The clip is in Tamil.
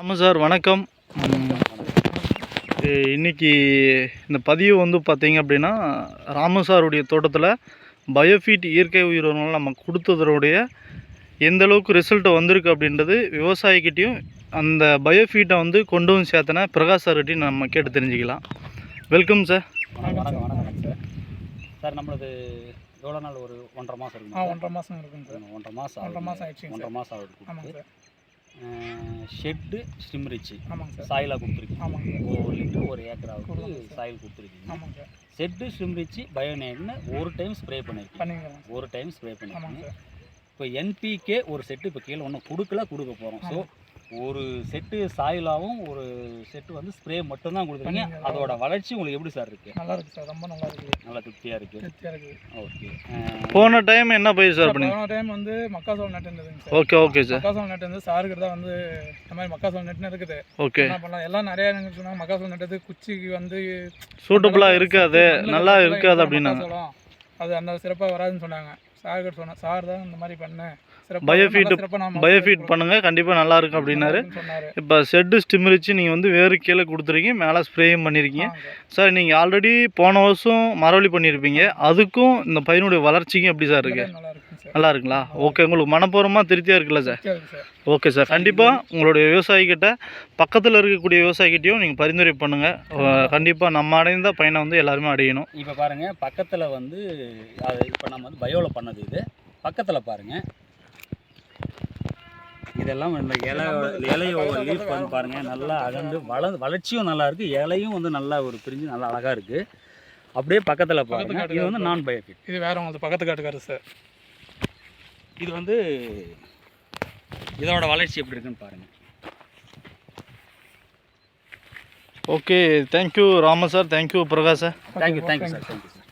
ஆமாம் சார், வணக்கம். இன்னைக்கு இந்த பதிவு வந்து பார்த்தீங்க அப்படின்னா, ராமு சாருடைய தோட்டத்தில் பயோஃபீட் இயற்கை உயிரினங்கள் நம்ம கொடுத்ததனுடைய எந்த அளவுக்கு ரிசல்ட் வந்திருக்கு அப்படின்றது விவசாயிக்கிட்டையும் அந்த பயோஃபீட்டை வந்து கொண்டு வந்து சேர்த்தன பிரகாஷ் சார்கிட்டையும் நம்ம கேட்டு தெரிஞ்சுக்கலாம். Welcome sir. வணக்கம் சார். சார் நம்மளது எவ்வளோ நாள் ஒரு 1.5 மாதம் இருக்குங்க? 1.5 மாதம் இருக்குங்க சார். 1.5 மாதம் ஆயிடுச்சு. 1.5 மாதம் ஆகுது. ஆமாங்க சார். ஷெட்டு ஸ்டிம்ரிச்சு ஆமாங்க சார். சாயிலாக கொடுத்துருக்கீங்க. ஆமாங்க. 1 லிட்டர் 1 ஏக்கராவுக்கு சாயில் கொடுத்துருக்கீங்க. ஆமாங்க சார். ஷெட்டு ஸ்டிம்ரிச்சு பயோநேட்னு ஒரு டைம் ஸ்ப்ரே பண்ணியிருக்கீங்க. ஒரு டைம் ஸ்ப்ரே பண்ணியிருக்கீங்க. இப்போ என்பிகே ஒரு செட்டு இப்போ கீழே ஒன்றும் கொடுக்க போகிறோம். ஸோ ஒரு செட்டு சாயிலாகவும் ஒரு செட்டு வந்து ஸ்ப்ரே மட்டும்தான் கொடுத்துருக்கீங்க. அதோட வளர்ச்சி உங்களுக்கு எப்படி சார் இருக்குது? நல்லா இருக்குது சார், ரொம்ப நல்லா இருக்குது. நல்லா திருப்தியாக இருக்குது. ஓகே. போன டைம் என்ன பயிர் சார் பண்ணி? போன டைம் வந்து மக்காசோள நட்டு இருந்ததுங்க சார். Okay sir. மக்காசோள நட்டு வந்து சாருக்கு தான் வந்து இந்த மாதிரி மக்காசோள நட்டுன்னு இருக்குது. ஓகே. என்ன பண்ணலாம், எல்லாம் நிறைய சொன்னாங்க மக்காசோள நட்டது குச்சிக்கு வந்து சூட்டபுளாக இருக்காது, நல்லா இருக்காது அப்படின்னா அது அந்த சிறப்பாக வராதுன்னு சொன்னாங்க. சார்கிட்ட சொன்னேன், சார் தான் இந்த மாதிரி பண்ணேன், பயோஃபீட் பண்ணுங்க, கண்டிப்பாக நல்லா இருக்கும் அப்படின்னாரு. இப்போ ஷெட்டு ஸ்டிம்ரிச்சு நீங்கள் வந்து வேறு கீழே கொடுத்துருக்கீங்க, மேலே ஸ்ப்ரேயும் பண்ணியிருக்கீங்க சார். நீங்கள் ஆல்ரெடி போன வருஷம் மரவள்ளி பண்ணியிருப்பீங்க, அதுக்கும் இந்த பையனுடைய வளர்ச்சிக்கும் எப்படி சார் இருக்கு? நல்லா இருக்குங்களா? ஓகே. உங்களுக்கு மனப்பூர்வமாக திருப்தியாக இருக்குல்ல சார்? Okay sir. கண்டிப்பாக உங்களுடைய விவசாயிக்கிட்ட பக்கத்தில் இருக்கக்கூடிய விவசாயிக்கிட்டையும் நீங்கள் பரிந்துரை பண்ணுங்கள். கண்டிப்பாக நம்ம அடைந்த பயனை வந்து எல்லாருமே அடையணும். இப்போ பாருங்கள், பக்கத்தில் வந்து அது இப்போ நம்ம வந்து பயோவில் பண்ணது இது. பக்கத்தில் பாருங்கள், இதெல்லாம் இந்த இலையோட லீஃப் வந்து பாருங்கள் நல்லா அகண்டு வளர்ச்சியும் நல்லா இருக்குது. இலையும் வந்து நல்லா ஒரு பிரிஞ்சு நல்லா அழகாக இருக்குது. அப்படியே பக்கத்தில் பாருங்கள், இது வந்து நான் பயோஃபீட். இது வேறு உங்களுக்கு பக்கத்து காட்டுக்காரு சார். இது வந்து இதோட வளர்ச்சி எப்படி இருக்குன்னு பாருங்கள். Okay. Thank you Rama sir, thank you Prakash sir. Thank you sir.